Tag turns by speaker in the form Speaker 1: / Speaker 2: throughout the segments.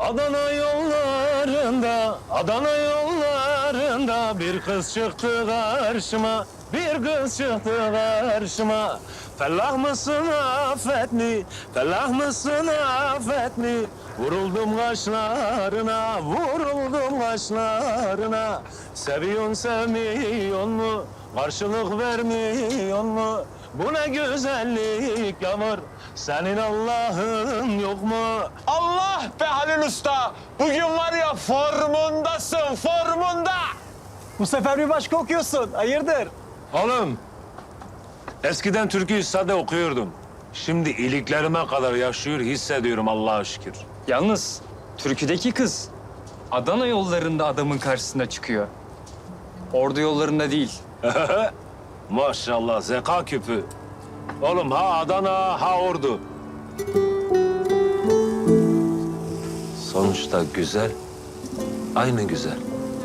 Speaker 1: Adana yollarında, Adana yollarında bir kız çıktı karşıma, bir kız çıktı karşıma. Fellah mısın affetli, fellah mısın affetli? Vuruldum kaşlarına, vuruldum kaşlarına. Seviyorsun sevmiyorsun mu? Karşılık vermiyorsun mu? Bu ne güzellik yağmur, senin Allah'ın yok mu?
Speaker 2: Allah be Halil Usta! Bugün var ya formundasın, formunda!
Speaker 3: Bu sefer bir başka okuyorsun. Hayırdır?
Speaker 1: Oğlum, eskiden türküyü sade okuyordum. Şimdi iliklerime kadar yaşıyor, hissediyorum Allah'a şükür.
Speaker 4: Yalnız türküdeki kız Adana yollarında adamın karşısına çıkıyor. Ordu yollarında değil.
Speaker 1: Maşallah, zeka küpü. Oğlum ha Adana, ha Ordu. Sonuçta güzel, aynı güzel.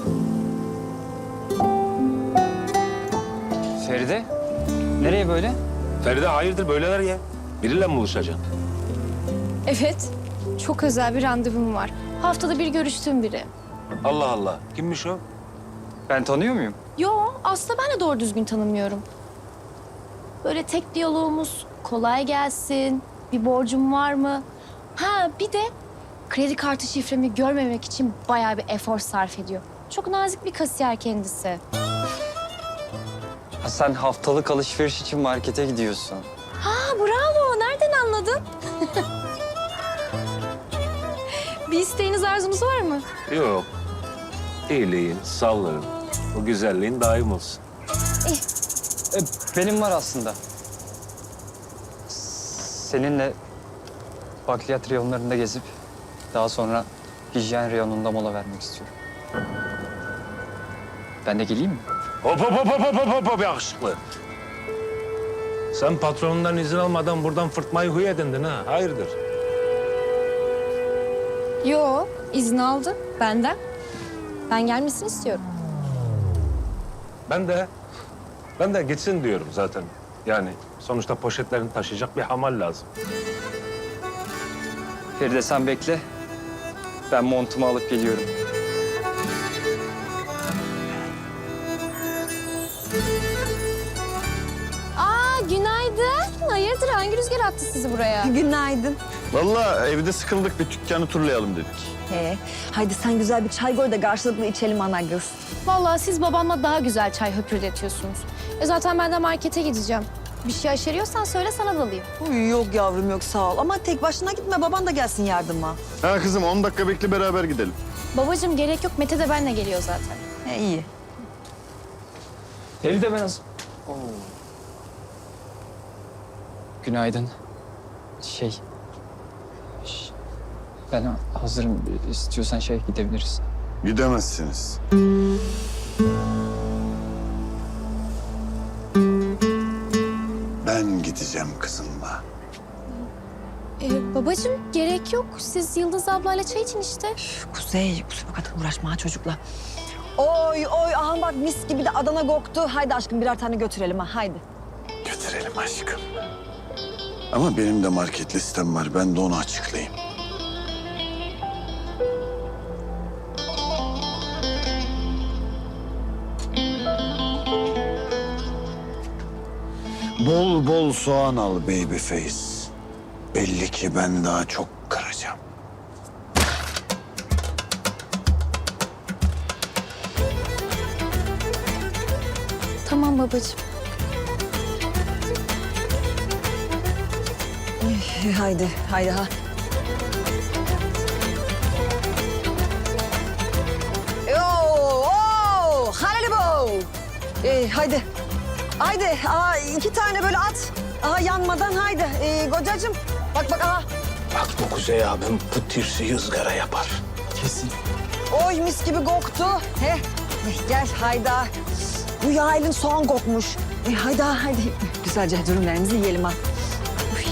Speaker 4: Feride, nereye böyle?
Speaker 1: Feride hayırdır böyleler ya? Biriyle mi buluşacaksın?
Speaker 5: Evet, çok özel bir randevum var. Haftada bir görüştüğüm biri.
Speaker 1: Allah Allah, kimmiş o?
Speaker 4: Ben tanıyor muyum?
Speaker 5: Yo, aslında ben de doğru düzgün tanımıyorum. Böyle tek diyalogumuz kolay gelsin, bir borcum var mı? Ha bir de kredi kartı şifremi görmemek için bayağı bir efor sarf ediyor. Çok nazik bir kasiyer kendisi.
Speaker 4: Ha, sen haftalık alışveriş için markete gidiyorsun.
Speaker 5: Ha bravo, nereden anladın? Bir isteğiniz, arzunuz var mı?
Speaker 1: Yok. İyiliğin, sağlığın, o güzelliğin daim olsun.
Speaker 4: Benim var aslında. Seninle bakliyat reyonlarında gezip daha sonra hijyen reyonunda mola vermek istiyorum. Ben de geleyim mi?
Speaker 1: Hop hop hop hop hop hop hop yakışıklı. Sen patronundan izin almadan buradan fırtmayı huy edindin ha. Hayırdır?
Speaker 5: Yo, izin aldı benden. Ben gelmesini istiyorum.
Speaker 1: Ben de gitsin diyorum zaten. Yani sonuçta poşetlerini taşıyacak bir hamal lazım.
Speaker 4: Feride sen bekle. Ben montumu alıp geliyorum.
Speaker 5: Aa, günaydın. Hayırdır, hangi rüzgar attı sizi buraya?
Speaker 6: Günaydın.
Speaker 2: Vallahi evde sıkıldık, bir dükkanı turlayalım dedik.
Speaker 6: Haydi sen güzel bir çay koy da karşılıklı içelim ana kız.
Speaker 5: Vallahi siz babamla daha güzel çay höpürdetiyorsunuz. Zaten ben de markete gideceğim. Bir şey aşeriyorsan söyle, sana da alayım.
Speaker 6: Uy, yok yavrum yok sağ ol. Ama tek başına gitme, baban da gelsin yardıma.
Speaker 2: Ha kızım 10 dakika bekle, beraber gidelim.
Speaker 5: Babacığım gerek yok, Mete de benimle geliyor zaten.
Speaker 6: İyi.
Speaker 4: Feride ben Günaydın. Ben hazırım. İstiyorsan gidebiliriz.
Speaker 2: Gidemezsiniz. Ben gideceğim kızımla.
Speaker 5: Babacığım gerek yok. Siz Yıldız ablayla çay için işte.
Speaker 6: Kuzey bu kadar uğraşma ha çocukla. Oy aha bak mis gibi de Adana koktu. Haydi aşkım birer tane götürelim ha haydi.
Speaker 2: Götürelim aşkım. Ama benim de market listem var, ben de onu açıklayayım. Bol bol soğan al baby face. Belli ki ben daha çok kıracağım.
Speaker 5: Tamam babacığım.
Speaker 6: Haydi ha. Halibo. Haydi. Haydi. Aa, 2 tane böyle at. Aha yanmadan haydi. Kocacığım bak aha.
Speaker 1: Bak bu Kuzey abim bu tirsi ızgara yapar.
Speaker 4: Kesin.
Speaker 6: Oy mis gibi koktu. Gel hayda. Bu yaylın soğan kokmuş. Haydi. Güzelce dürümlerimizi yiyelim ha. Uy.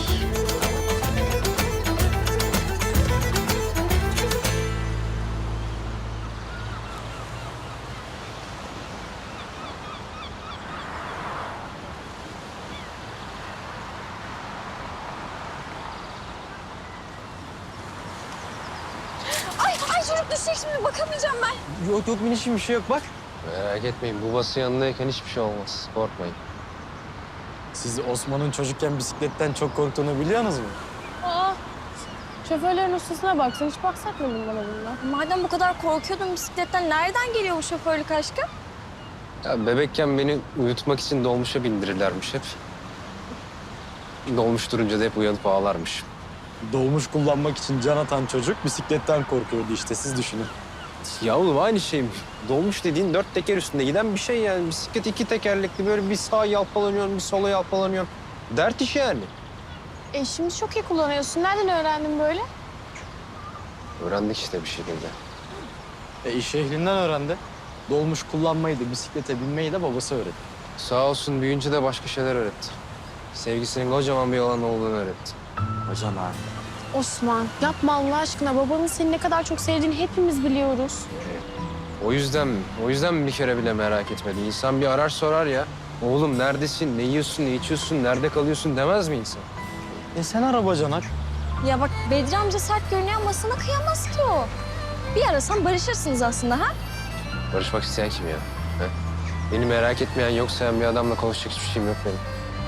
Speaker 7: kuyruk düşecek şimdi bakamayacağım ben.
Speaker 3: Yok yok minişim bir şey yok bak.
Speaker 8: Merak etmeyin, babası yanındayken hiçbir şey olmaz. Korkmayın.
Speaker 3: Siz Osman'ın çocukken bisikletten çok korktuğunu biliyorsunuz mu?
Speaker 9: Aa, şoförlerin ustasına baksın. Hiç bahsetmedin bana bundan.
Speaker 7: Madem bu kadar korkuyordun bisikletten nereden geliyor bu şoförlük aşkı?
Speaker 8: Ya bebekken beni uyutmak için dolmuşa bindirirlermiş hep. Dolmuş durunca da hep uyanıp ağlarmış.
Speaker 3: Dolmuş kullanmak için can atan çocuk bisikletten korkuyordu işte siz düşünün.
Speaker 8: Ya oğlum aynı şey mi? Dolmuş dediğin 4 teker üstünde giden bir şey yani. Bisiklet 2 tekerlekli, böyle bir sağa yalpalanıyorsun, bir sola yalpalanıyorsun. Dert iş yani.
Speaker 9: Şimdi çok iyi kullanıyorsun. Nereden öğrendin böyle?
Speaker 8: Öğrendik işte bir şekilde.
Speaker 3: İş ehlinden öğrendi. Dolmuş kullanmayı da bisiklete binmeyi de babası öğretti.
Speaker 8: Sağ olsun büyüyünce de başka şeyler öğretti. Sevgisinin kocaman bir yalan olduğunu öğretti.
Speaker 3: Hocam abi.
Speaker 9: Osman, yapma Allah aşkına. Babanın seni ne kadar çok sevdiğini hepimiz biliyoruz.
Speaker 8: O yüzden mi? O yüzden mi bir kere bile merak etmedi? İnsan bir arar sorar ya. Oğlum neredesin, ne yiyorsun, ne içiyorsun, nerede kalıyorsun demez mi insan?
Speaker 3: Sen araba Canak.
Speaker 7: Ya bak Bedri amca sert görünüyor ama sana kıyamaz ki o. Bir arasan barışırsınız aslında ha?
Speaker 8: Barışmak isteyen kim ya? He? Beni merak etmeyen, yok sayan bir adamla konuşacak hiçbir şeyim yok benim.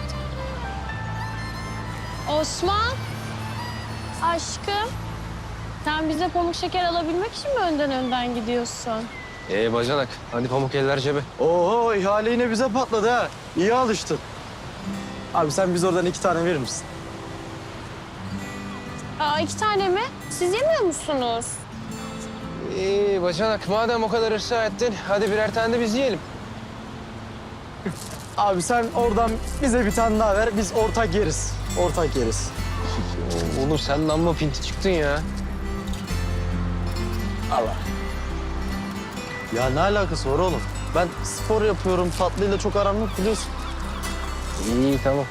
Speaker 9: Osman, aşkım. Sen bize pamuk şeker alabilmek için mi önden gidiyorsun?
Speaker 8: Bacanak, hadi pamuk eller cebe.
Speaker 3: Oo ihale yine bize patladı ha. İyi alıştın. Abi sen biz oradan 2 tane verir misin?
Speaker 9: Aa, 2 tane mi? Siz yemiyor musunuz?
Speaker 8: Bacanak, madem o kadar ısrar ettin, hadi birer tane de biz yiyelim.
Speaker 3: Abi sen oradan bize bir tane daha ver. Biz ortak yeriz. Ortak yeriz.
Speaker 8: Oğlum sen de amma pinti çıktın ya.
Speaker 3: Allah. Ya ne alakası var oğlum? Ben spor yapıyorum. Tatlıyla çok aram yok biliyorsun.
Speaker 8: İyi, tamam.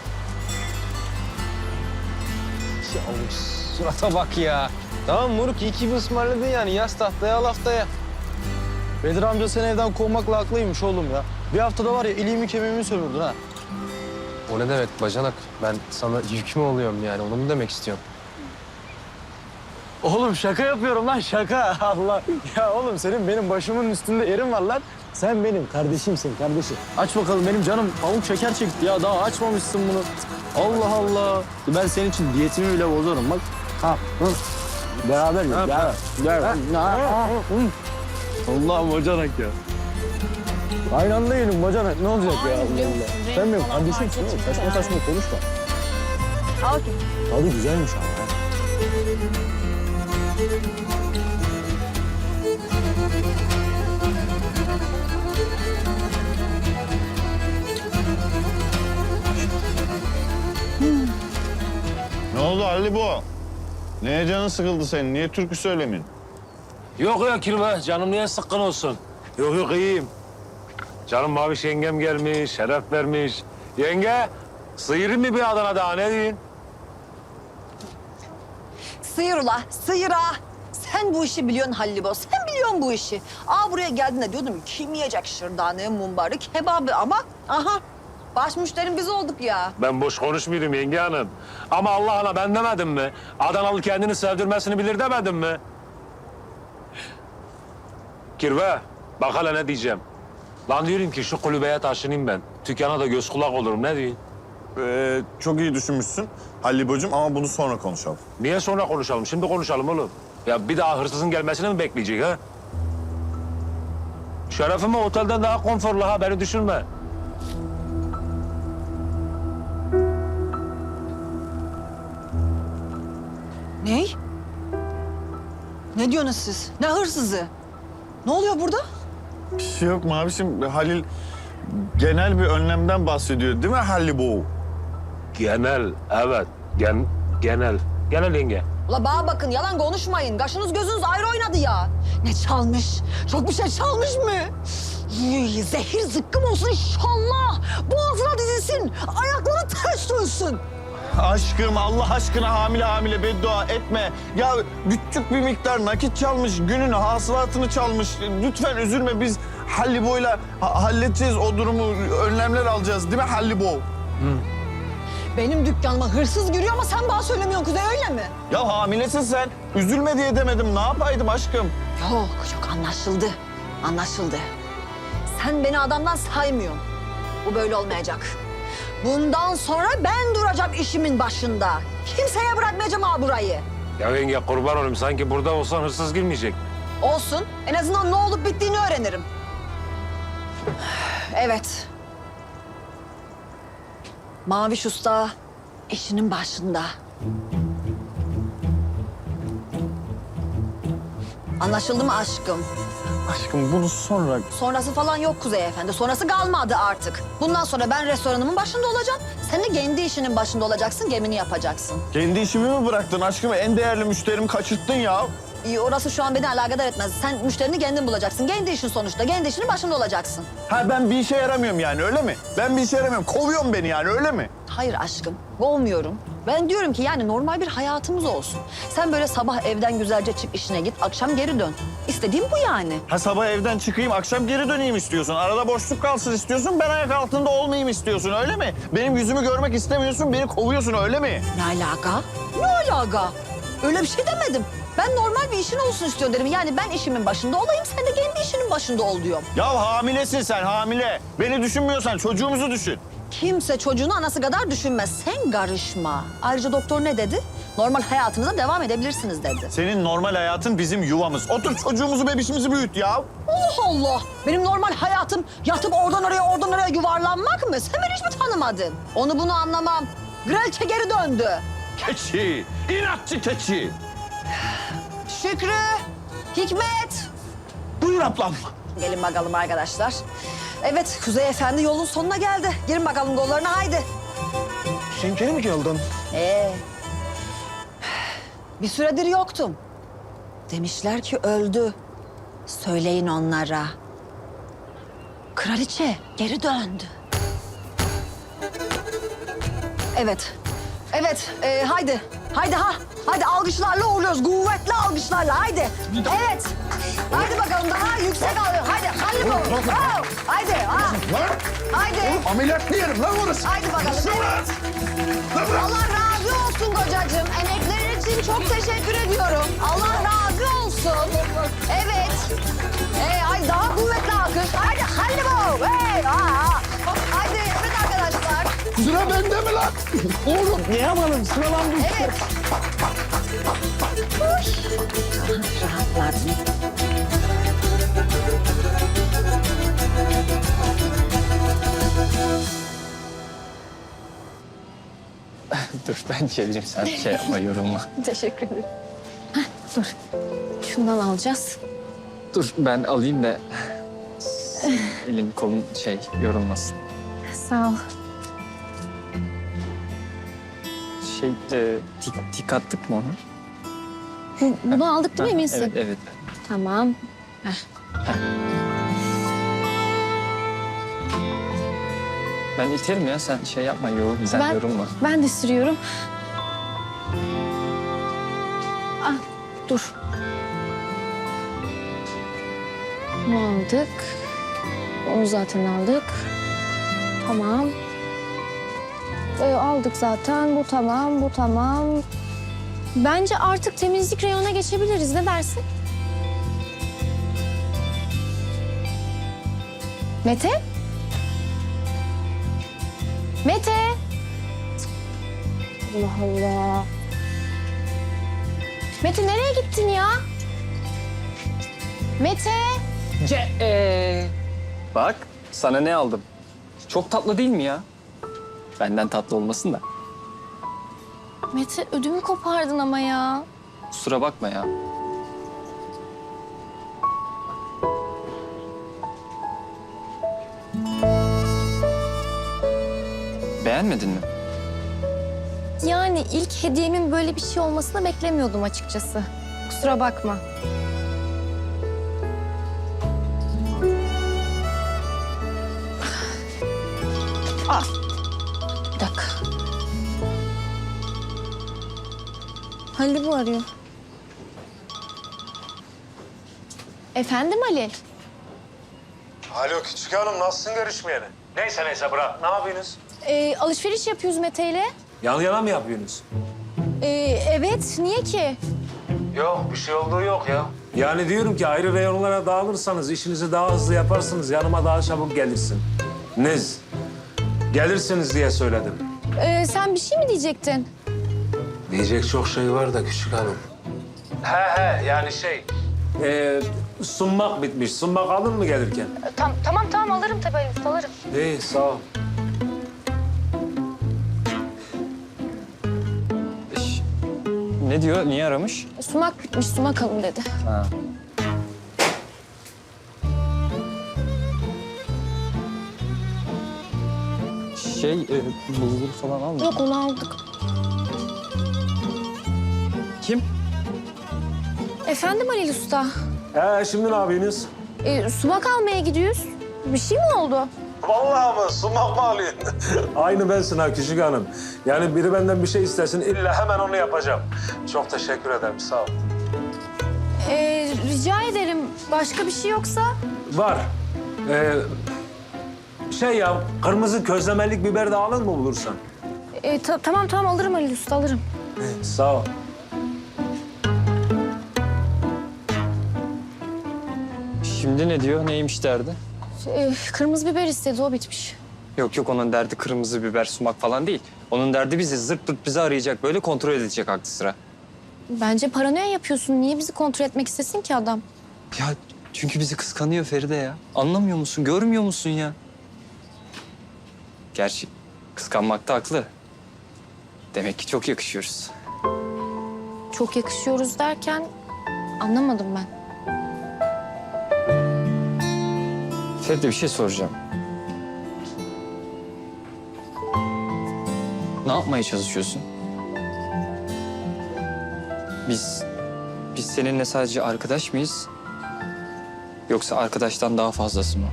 Speaker 8: Ya oğlum, surata bak ya. Tamam moruk, iyi ki bir ısmarladın yani. Yaz tahtaya, al haftaya.
Speaker 3: Bedir amca seni evden kovmakla haklıymış oğlum ya. Bir haftada var ya iliğimi kemiğimi sömürdün ha.
Speaker 8: O ne demek bacanak? Ben sana yük mü oluyorum yani? Onu mu demek istiyorsun?
Speaker 3: Oğlum şaka yapıyorum lan şaka. Allah. Ya oğlum senin benim başımın üstünde yerin var lan. Sen benim kardeşimsin kardeşim. Aç bakalım benim canım pamuk şeker çekti ya. Daha açmamışsın bunu. Allah Allah. Ben senin için diyetimi bile bozarım bak. Ha. Hı. Beraber yiyoruz. Gel. Allah'ım bacanak ya. Aynı anda yiyelim bacanak. Ne olacak ya? Allah Allah. Sen benim kardeşimsin oğlum. Saçma saçma konuşma.
Speaker 7: Al bakayım.
Speaker 3: Tadı güzelmiş ama. Ha.
Speaker 2: Ne oldu Ali bu? Neye canın sıkıldı senin? Niye türkü söylemiyorsun?
Speaker 1: Yok ya Kirve, canım niye sıkkın olsun? Yok yok iyiyim. Canım Maviş yengem gelmiş, şeref vermiş. Yenge, sıyırayım mı bir Adana daha ne diyeyim?
Speaker 6: Sıyır ula, sıyır ha. Sen bu işi biliyorsun Hallibo, sen biliyorsun bu işi. Buraya geldiğinde diyordum kim yiyecek şırdanı, mumbarı, kebabı ama aha baş müşterim biz olduk ya.
Speaker 1: Ben boş konuşmuyorum yenge hanım. Ama Allah'ına ben demedim mi? Adanalı kendini sevdirmesini bilir demedim mi? Kirve, bak hele ne diyeceğim. Lan diyorum ki şu kulübeye taşınayım ben. Dükkana da göz kulak olurum, ne diyorsun?
Speaker 2: Çok iyi düşünmüşsün Hallibo'cum ama bunu sonra konuşalım.
Speaker 1: Niye sonra konuşalım? Şimdi konuşalım oğlum. Ya bir daha hırsızın gelmesini mi bekleyecek ha? Şerefime otelden daha konforlu ha, beni düşünme.
Speaker 6: Ne? Ne diyorsunuz siz? Ne hırsızı? Ne oluyor burada?
Speaker 2: Bir şey yok Mavişim. Halil genel bir önlemden bahsediyor değil mi Hallibo?
Speaker 1: Genel, evet. Genel. Genel yenge.
Speaker 6: Ula bana bakın yalan konuşmayın. Kaşınız gözünüz ayrı oynadı ya. Ne çalmış? Çok bir şey çalmış mı? Zehir zıkkım olsun inşallah. Boğazına dizilsin. Ayakları ters dönsün.
Speaker 2: Aşkım Allah aşkına hamile beddua etme. Ya küçük bir miktar nakit çalmış, günün hasılatını çalmış. Lütfen üzülme biz Hallibo'yla halledeceğiz o durumu. Önlemler alacağız değil mi Hallibo?
Speaker 6: Benim dükkanıma hırsız giriyor ama sen bana söylemiyorsun Kuzey, öyle mi?
Speaker 2: Ya hamilesin sen. Üzülme diye demedim. Ne yapaydım aşkım?
Speaker 6: Yok anlaşıldı. Anlaşıldı. Sen beni adamdan saymıyorsun. Bu böyle olmayacak. Bundan sonra ben duracağım işimin başında. Kimseye bırakmayacağım ha burayı.
Speaker 1: Ya yenge kurban olayım. Sanki burada olsan hırsız girmeyecek.
Speaker 6: Olsun. En azından ne olup bittiğini öğrenirim. Evet. Maviş Usta işinin başında. Anlaşıldı mı aşkım?
Speaker 2: Aşkım bunu sonra...
Speaker 6: Sonrası falan yok Kuzey Efendi. Sonrası kalmadı artık. Bundan sonra ben restoranımın başında olacağım. Sen de kendi işinin başında olacaksın, gemini yapacaksın.
Speaker 2: Kendi işimi mi bıraktın aşkım? En değerli müşterimi kaçırttın ya.
Speaker 6: İyi, orası şu an beni alakadar etmez. Sen müşterini kendin bulacaksın. Kendi işin sonuçta. Kendi işinin başında olacaksın.
Speaker 2: Ha ben bir işe yaramıyorum yani öyle mi? Ben bir işe yaramıyorum. Kovuyorsun beni yani öyle mi?
Speaker 6: Hayır aşkım, olmuyorum. Ben diyorum ki yani normal bir hayatımız olsun. Sen böyle sabah evden güzelce çık, işine git, akşam geri dön. İstediğim bu yani.
Speaker 2: Ha sabah evden çıkayım, akşam geri döneyim istiyorsun. Arada boşluk kalsın istiyorsun, ben ayak altında olmayayım istiyorsun öyle mi? Benim yüzümü görmek istemiyorsun, beni kovuyorsun öyle mi?
Speaker 6: Ne alaka? Ne alaka? Öyle bir şey demedim. Ben normal bir işin olsun istiyorum dedim. Yani ben işimin başında olayım, sen de kendi işinin başında ol diyorum.
Speaker 2: Ya hamilesin sen, hamile. Beni düşünmüyorsan çocuğumuzu düşün.
Speaker 6: Kimse çocuğunu anası kadar düşünmez. Sen karışma. Ayrıca doktor ne dedi? Normal hayatınıza devam edebilirsiniz dedi.
Speaker 2: Senin normal hayatın bizim yuvamız. Otur çocuğumuzu, bebişimizi büyüt ya.
Speaker 6: Allah Allah! Benim normal hayatım yatıp oradan oraya yuvarlanmak mı? Sen beni hiç mi tanımadın? Onu bunu anlamam. Grelçe geri döndü.
Speaker 2: Keçi, inatçı keçi.
Speaker 6: Şükrü, Hikmet.
Speaker 2: Buyur ablam.
Speaker 6: Gelin bakalım arkadaşlar. Evet, Kuzey Efendi yolun sonuna geldi. Girin bakalım kollarına, haydi.
Speaker 3: Sen geri mi geldin?
Speaker 6: Bir süredir yoktum. Demişler ki öldü. Söyleyin onlara. Kraliçe geri döndü. Evet. Evet, haydi. Haydi ha. Haydi alkışlarla uğurluyoruz. Kuvvetli alkışlarla. Haydi. Evet. Haydi bakalım daha yüksek alıyor. Haydi. Haydi bakalım. Haydi. Ha. Haydi.
Speaker 2: Ameliyat yerim lan orası.
Speaker 6: Haydi bakalım. Evet. Allah razı olsun kocacığım. Emeklerin için çok teşekkür ediyorum. Allah razı olsun. Evet. Ay daha kuvvetli alkış. Haydi. Haydi bu. Hey. Haydi. Evet arkadaşlar.
Speaker 2: Sıra bende mi lan? Oğlum.
Speaker 3: Ne yapalım? Sıralandık.
Speaker 6: Evet. Rahatladım.
Speaker 4: Dur ben çevireyim, sen şey yapma, yorulma.
Speaker 5: Teşekkür ederim. Dur. Şundan alacağız.
Speaker 4: Dur ben alayım da elin kolun yorulmasın.
Speaker 5: Sağ ol.
Speaker 4: Tik attık mı onu?
Speaker 5: Bunu aldık değil mi, eminsin?
Speaker 4: Evet, evet.
Speaker 5: Tamam.
Speaker 4: Ben iterim ya, sen şey yapma, sen yorulma.
Speaker 5: Ben de sürüyorum. Ah, dur. Bunu aldık. Onu zaten aldık. Tamam. Aldık zaten. Bu tamam, bu tamam. Bence artık temizlik reyonuna geçebiliriz. Ne dersin? Mete? Mete! Allah Allah. Mete nereye gittin ya? Mete!
Speaker 4: Bak, sana ne aldım? Çok tatlı değil mi ya? Benden tatlı olmasın da.
Speaker 5: Mete ödümü kopardın ama ya.
Speaker 4: Kusura bakma ya. Beğenmedin mi?
Speaker 5: Yani ilk hediyemin böyle bir şey olmasını beklemiyordum açıkçası. Kusura bakma. Bir dakika. Halil bu arıyor. Efendim Ali?
Speaker 1: Alo Küçük Hanım, nasılsın görüşmeyeli? Neyse bırak. Ne yapıyorsunuz?
Speaker 5: Alışveriş yapıyoruz Mete'yle.
Speaker 1: Yan yana mı yapıyorsunuz?
Speaker 5: Evet, niye ki?
Speaker 1: Yok, bir şey olduğu yok ya. Yani diyorum ki ayrı reyonlara dağılırsanız işinizi daha hızlı yaparsınız. Yanıma daha çabuk gelirsin. Nez, gelirsiniz diye söyledim.
Speaker 5: Sen bir şey mi diyecektin?
Speaker 1: Diyecek çok şey var da küçük hanım. He yani sunmak bitmiş. Sunmak alın mı gelirken?
Speaker 5: Tamam alırım tabii Ali Usta, alırım.
Speaker 1: İyi sağ ol.
Speaker 4: Ne diyor? Niye aramış?
Speaker 5: Sumak bitmiş, sumak alın dedi.
Speaker 4: Ha. Bulgur falan alma.
Speaker 5: Yok, onu aldık.
Speaker 4: Kim?
Speaker 5: Efendim Ali Usta,
Speaker 1: Şimdi ne yapıyorsunuz?
Speaker 5: sumak almaya gidiyoruz. Bir şey mi oldu?
Speaker 1: Vallahi mı? Sumak mı alıyorsun? Aynı bensin ha küçük hanım. Yani biri benden bir şey istesin illa hemen onu yapacağım. Çok teşekkür ederim sağ ol.
Speaker 5: Rica ederim. Başka bir şey yoksa?
Speaker 1: Var. Kırmızı közlemelik biber de alın mı bulursan?
Speaker 5: Tamam alırım Ali Usta, alırım.
Speaker 1: Sağ ol.
Speaker 4: Şimdi ne diyor? Neymiş derdi?
Speaker 5: Kırmızı biber istedi, o bitmiş.
Speaker 4: Yok onun derdi kırmızı biber, sumak falan değil. Onun derdi bizi zırt pırt bizi arayacak, böyle kontrol edecek aklı sıra.
Speaker 5: Bence paranoya yapıyorsun. Niye bizi kontrol etmek istesin ki adam?
Speaker 4: Ya çünkü bizi kıskanıyor Feride ya. Anlamıyor musun, görmüyor musun ya? Gerçi kıskanmakta haklı. Demek ki çok yakışıyoruz.
Speaker 5: Çok yakışıyoruz derken anlamadım ben.
Speaker 4: Feride bir şey soracağım. Ne yapmaya çalışıyorsun? Biz seninle sadece arkadaş mıyız? Yoksa arkadaştan daha fazlası mı?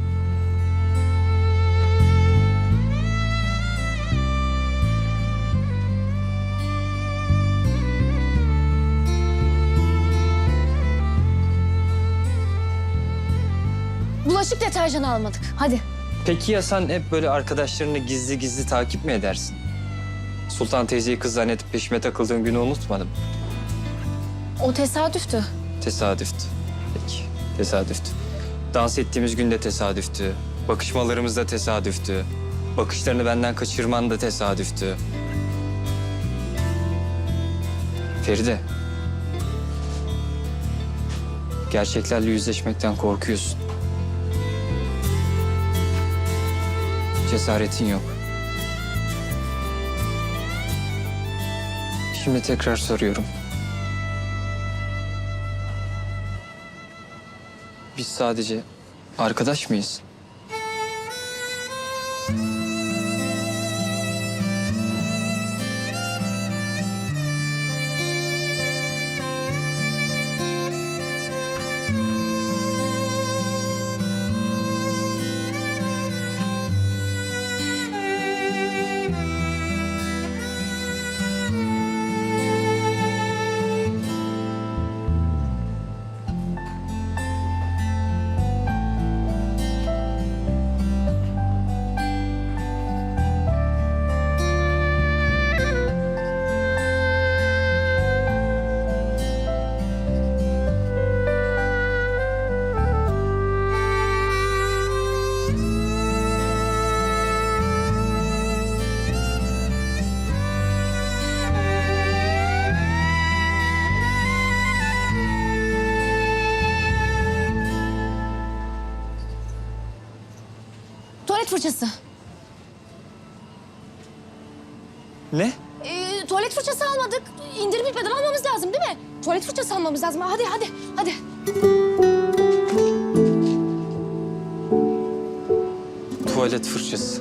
Speaker 5: Bulaşık deterjanı almadık. Hadi.
Speaker 4: Peki ya sen hep böyle arkadaşlarını gizli gizli takip mi edersin? Sultan teyzeyi kız zannedip peşime takıldığın günü unutmadım.
Speaker 5: O tesadüftü.
Speaker 4: Tesadüftü. Peki, tesadüftü. Dans ettiğimiz gün de tesadüftü. Bakışmalarımız da tesadüftü. Bakışlarını benden kaçırman da tesadüftü. Feride. Gerçeklerle yüzleşmekten korkuyorsun. Cesaretin yok. Şimdi tekrar soruyorum. Biz sadece arkadaş mıyız?
Speaker 5: Tuvalet fırçası.
Speaker 4: Ne?
Speaker 5: Tuvalet fırçası almadık. İndirim bitmeden almamız lazım değil mi? Tuvalet fırçası almamız lazım. Hadi.
Speaker 4: Tuvalet fırçası.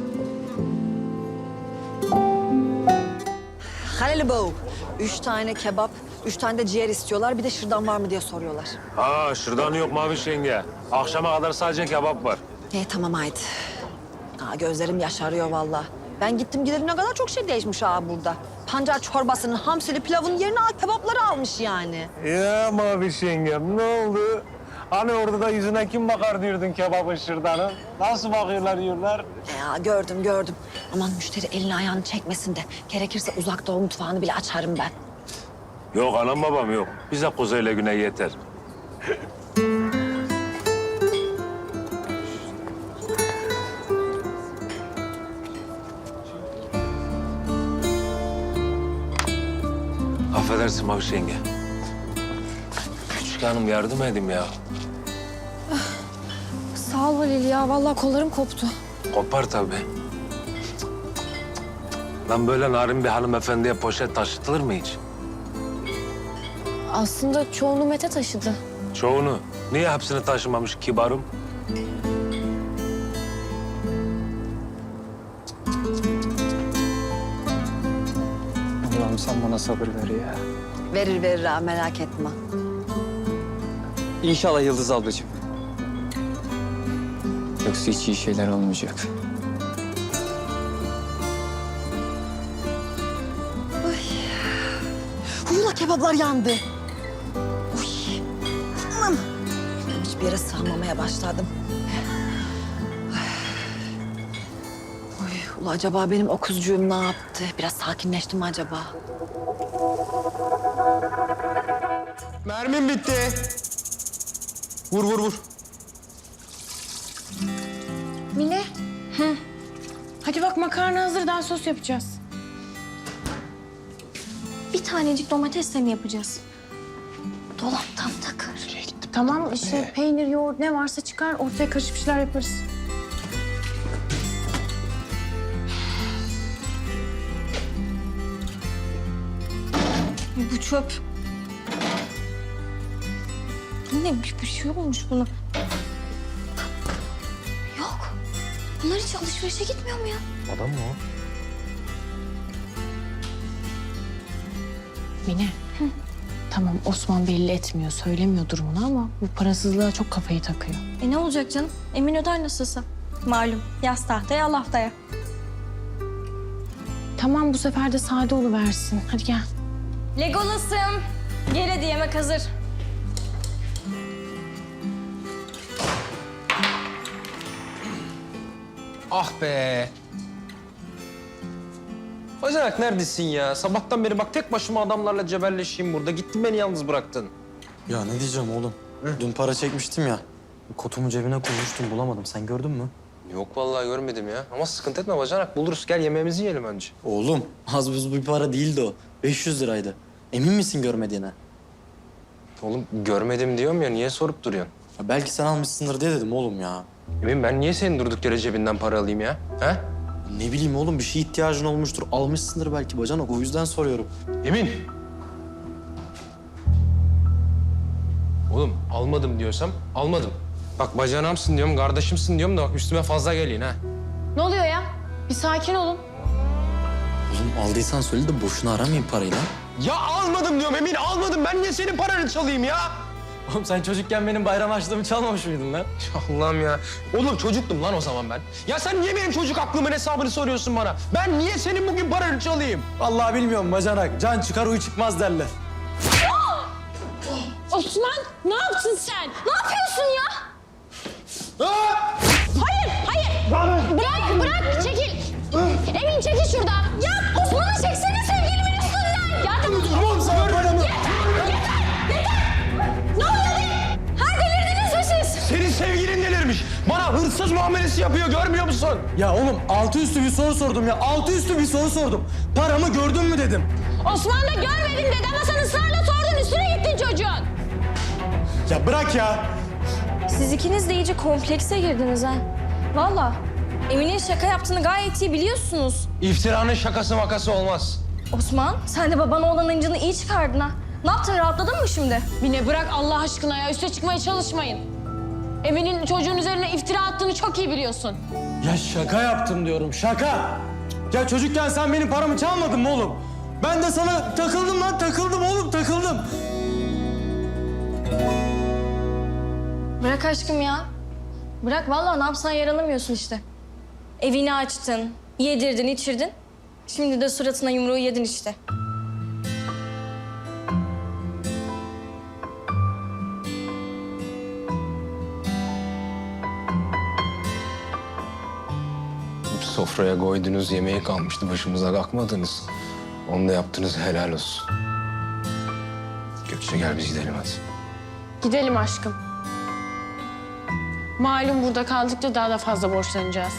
Speaker 6: Halil Bow. 3 tane kebap, 3 tane de ciğer istiyorlar. Bir de şırdan var mı diye soruyorlar.
Speaker 1: Şırdan yok Maviş yenge. Akşama kadar sadece kebap var.
Speaker 6: Tamam haydi. Gözlerim yaşarıyor vallahi. Ben gittim gidelim ne kadar çok şey değişmiş burada. Pancar çorbasının, hamsili pilavın yerine kebapları almış yani.
Speaker 1: Ya Maviş yengem ne oldu? Hani orada da yüzüne kim bakar diyordun kebabın şırdanı? Nasıl bakıyorlar yiyorlar?
Speaker 6: Ya gördüm. Aman müşteri elini ayağını çekmesin de. Gerekirse uzak doğu mutfağını bile açarım ben.
Speaker 1: Yok anam babam yok. Bize kuzeyle güney yeter. Affedersin Maviş yenge. Küçük hanım yardım edeyim ya.
Speaker 7: Sağ ol Halil ya. Vallahi kollarım koptu.
Speaker 1: Kopar tabii. Lan böyle narin bir hanımefendiye poşet taşıtılır mı hiç?
Speaker 7: Aslında çoğunu Mete taşıdı.
Speaker 1: Çoğunu. Niye hepsini taşımamış kibarım?
Speaker 4: Allah'ım sen bana sabır ver ya.
Speaker 6: Verir ha, merak etme.
Speaker 4: İnşallah Yıldız ablacığım. Yoksa hiç iyi şeyler olmayacak.
Speaker 6: Huyula kebaplar yandı. Uy. Anam. Hiçbir yere sığamamaya başladım. Uy, ula acaba benim o kuzcuğum ne yaptı? Biraz sakinleşti mi acaba?
Speaker 8: Mermim bitti. Vur.
Speaker 9: Mine. Hadi bak makarna hazırdan sos yapacağız.
Speaker 7: Bir tanecik domatesle mi yapacağız?
Speaker 6: Dolaptan takır.
Speaker 9: Tamam işte peynir, yoğurt ne varsa çıkar ortaya karışık bir şeyler yaparız.
Speaker 7: Bu çöp. Yine bir şey olmuş buna. Yok. Bunlar hiç alışverişe gitmiyor mu ya?
Speaker 8: Adam mı o?
Speaker 9: Mine. Tamam Osman belli etmiyor, söylemiyor durumunu ama bu parasızlığa çok kafayı takıyor.
Speaker 7: Ne olacak canım? Emin öder nasılsa. Malum yaz tahtaya al haftaya.
Speaker 9: Tamam bu sefer de sade oluversin. Hadi gel.
Speaker 7: Legolas'ım. Gel hadi yemek hazır.
Speaker 8: Ah be. Bacanak neredesin ya? Sabahtan beri bak tek başıma adamlarla cebelleşeyim burada. Gittin beni yalnız bıraktın.
Speaker 3: Ya ne diyeceğim oğlum? Dün para çekmiştim ya. Kotumu cebine koymuştum bulamadım. Sen gördün mü?
Speaker 8: Yok vallahi görmedim ya. Ama sıkıntı etme bacanak. Buluruz. Gel yemeğimizi yiyelim önce.
Speaker 3: Oğlum az buz bir para değildi o. 500 liraydı. Emin misin görmediğine?
Speaker 8: Oğlum görmedim diyorum ya. Niye sorup duruyorsun?
Speaker 3: Ya belki sen almışsındır diye dedim oğlum ya.
Speaker 8: Emin ben niye senin durduk yere cebinden para alayım ya? He?
Speaker 3: Ne bileyim oğlum bir şeye ihtiyacın olmuştur. Almışsındır belki bacanak o yüzden soruyorum.
Speaker 8: Emin. Oğlum almadım diyorsam almadım. Bak bacanağımsın diyorum, kardeşimsin diyorum da bak üstüme fazla geliyin ha.
Speaker 9: Ne oluyor ya? Bir sakin olun.
Speaker 3: Oğlum aldıysan söyle de boşuna aramayayım parayı lan.
Speaker 8: Ya almadım diyorum Emin, almadım. Ben niye senin paranı çalayım ya?
Speaker 3: Oğlum sen çocukken benim bayram harçlığımı çalmamış mıydın lan?
Speaker 8: Allah'ım ya. Oğlum çocuktum lan o zaman ben. Ya sen niye benim çocuk aklımın hesabını soruyorsun bana? Ben niye senin bugün paranı çalayım?
Speaker 3: Vallahi bilmiyorum bacanak. Can çıkar uy çıkmaz derler.
Speaker 9: Osman ne yaptın sen?
Speaker 7: Ne yapıyorsun ya?
Speaker 9: Bırak çekil. Emin çekil şuradan.
Speaker 7: Ya Osman'ı çeksene sevgilimin üstünden.
Speaker 9: Ya tamam.
Speaker 3: Tamam sana paramı.
Speaker 7: Ne oluyor be? Ha delirdiniz mi siz?
Speaker 8: Senin sevgilin delirmiş. Bana hırsız muamelesi yapıyor, görmüyor musun?
Speaker 3: Ya oğlum altı üstü bir soru sordum ya. Altı üstü bir soru sordum. Paramı gördün mü dedim.
Speaker 9: Osman da görmedim dedi ama sen ısrarla sordun üstüne gittin çocuğun.
Speaker 3: Ya bırak ya.
Speaker 7: Siz ikiniz de iyice komplekse girdiniz ha. Vallahi Emin'in şaka yaptığını gayet iyi biliyorsunuz.
Speaker 8: İftiranın şakası makası olmaz.
Speaker 7: Osman sen de babana olan incini iyi çıkardın ha. Ne yaptın rahatladın mı şimdi?
Speaker 9: Mine bırak Allah aşkına ya üste çıkmaya çalışmayın. Emin'in çocuğun üzerine iftira attığını çok iyi biliyorsun.
Speaker 3: Ya şaka yaptım diyorum şaka. Ya çocukken sen benim paramı çalmadın mı oğlum? Ben de sana takıldım lan takıldım oğlum takıldım.
Speaker 7: Bırak aşkım ya. Bırak vallahi ne yapsan yaranamıyorsun işte. Evini açtın, yedirdin, içirdin. Şimdi de suratına yumruğu yedin işte.
Speaker 8: Sofraya koydunuz, yemeğe kalmıştı, başımıza kalkmadınız. Onu da yaptınız, helal olsun. Gökçe gel biz gidelim hadi.
Speaker 9: Gidelim aşkım. Malum burada kaldıkça daha da fazla borçlanacağız.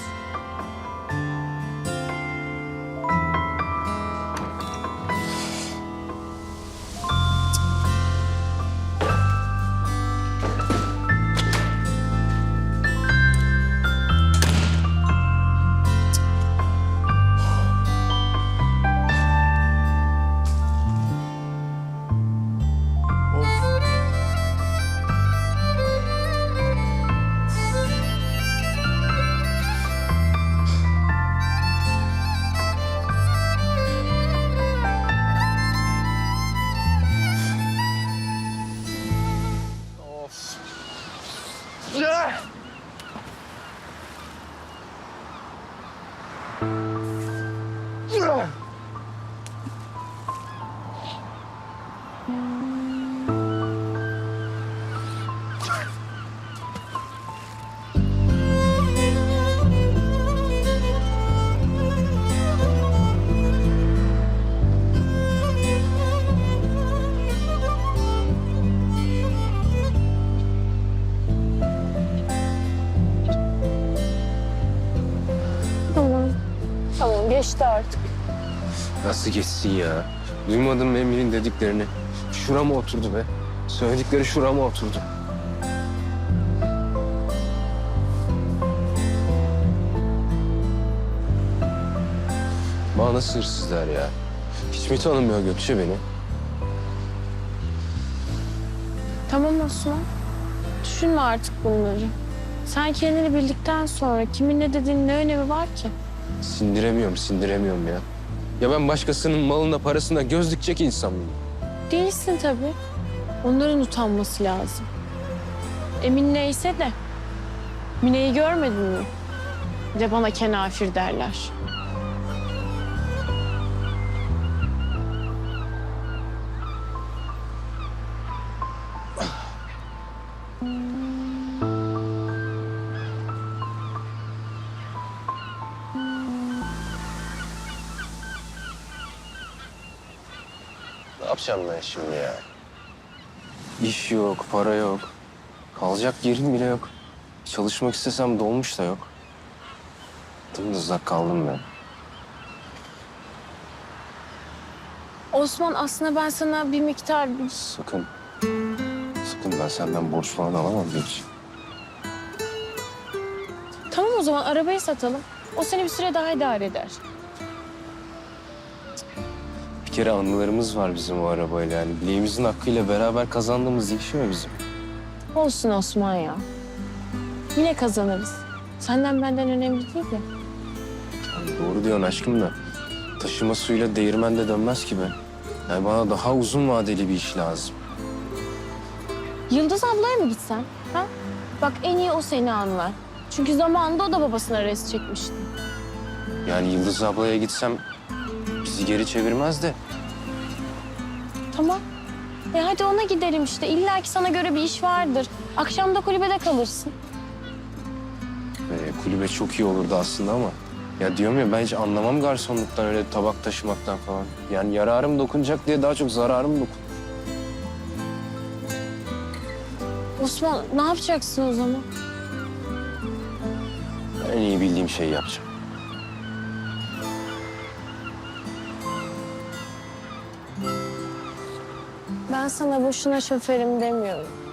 Speaker 9: Tamam geçti artık.
Speaker 8: Nasıl geçsin ya? Duymadın mı Emir'in dediklerini? Şurama oturdu be. Söyledikleri şurama oturdu. Bana nasıl hırsızlar ya? Hiç mi tanımıyor Gökçe beni?
Speaker 9: Tamam Osman. Düşünme artık bunları. Sen kendini bildikten sonra kimin ne dediğinin ne önemi var ki?
Speaker 8: Sindiremiyorum ya. Ya ben başkasının malına, parasına göz dikecek insan mıyım?
Speaker 9: Değilsin tabii. Onların utanması lazım. Emin neyse de. Mine'yi görmedin mi? Bir de bana kenafir derler.
Speaker 8: Ne yapacağım ben şimdi ya? İş yok, para yok. Kalacak yerim bile yok. Çalışmak istesem dolmuş da yok. Dımdızlak kaldım ben.
Speaker 9: Osman aslında ben sana bir miktar...
Speaker 8: Sakın ben senden borç falan alamam Gökçe.
Speaker 9: Tamam o zaman arabayı satalım. O seni bir süre daha idare eder.
Speaker 8: Bir kere anılarımız var bizim o arabayla yani. Bileğimizin hakkıyla beraber kazandığımız değişiyor bizim.
Speaker 9: Olsun Osman ya. Yine kazanırız. Senden benden önemli değil de.
Speaker 8: Doğru diyorsun aşkım da. Taşıma suyla değirmen de dönmez ki be. Yani bana daha uzun vadeli bir iş lazım.
Speaker 9: Yıldız ablaya mı gitsen? Ha? Bak en iyi o seni anlar. Çünkü zamanında o da babasına res çekmişti.
Speaker 8: Yani Yıldız ablaya gitsem bizi geri çevirmez de.
Speaker 9: Tamam. Hadi ona gidelim işte. İlla ki sana göre bir iş vardır. Akşam da kulübede kalırsın.
Speaker 8: Kulübe çok iyi olurdu aslında ama. Ya diyorum ya ben hiç anlamam garsonluktan, öyle tabak taşımaktan falan. Yani yararım dokunacak diye daha çok zararım dokun.
Speaker 9: Osman ne yapacaksın o zaman?
Speaker 8: En iyi bildiğim şeyi yapacağım.
Speaker 9: Ben sana boşuna şoförüm demiyorum.